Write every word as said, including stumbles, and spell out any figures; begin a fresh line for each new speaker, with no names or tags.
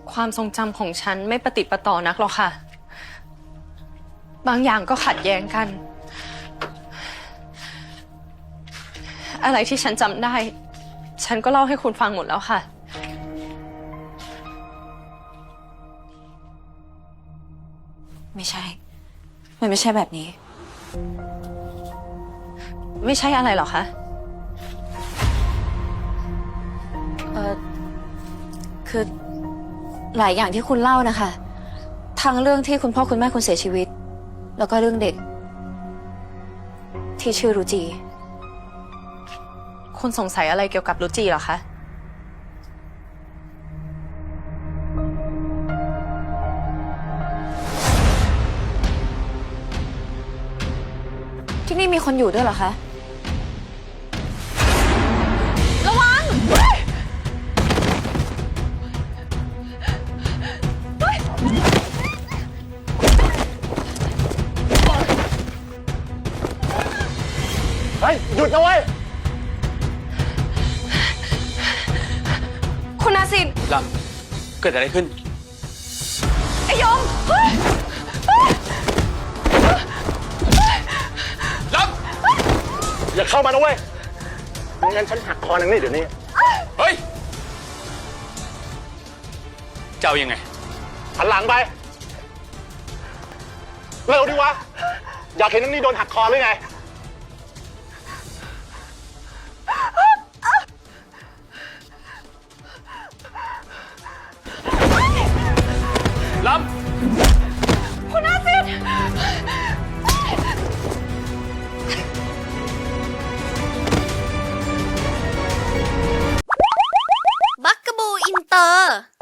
ความทรงจำของฉันไม่ประติดประต่อนักหรอกค่ะ บางอย่างก็ขัดแย้งกัน อะไรที่ฉันจำได้ ฉันก็เล่าให้คุณฟังหมดแล้วค่ะ
ไม่ใช่ มันไม่ใช่แบบนี้
ไม่ใช่อะไรหรอคะ
เออคือหลายอย่างที่คุณเล่านะคะทั้งเรื่องที่คุณพ่อคุณแม่คุณเสียชีวิต แล้วก็เรื่องเด็ก ที่ชื่อรุจี
คุณสงสัยอะไรเกี่ยวกับรุจีเหรอคะ
ที่นี่มีคนอยู่ด้วยเหรอคะ
ระวัง
เฮ้ย หยุดนะเว้ย
คุณนาซิน
ลำเกิดอะไรขึ้น
ไอยมเฮ้ย
ล
อย่าเข้ามานะเว้ยไม่งั้นฉันหักคอนางนี่เดี๋ยวนี้
ำ เฮ้ย เจ้ายังไง
หันหลังไป เร็วดิวะ อยากเห็นนางนี่โดนหักคอหรือไง
ลำ
คุณนาซิน
บักกะบูอินเตอร์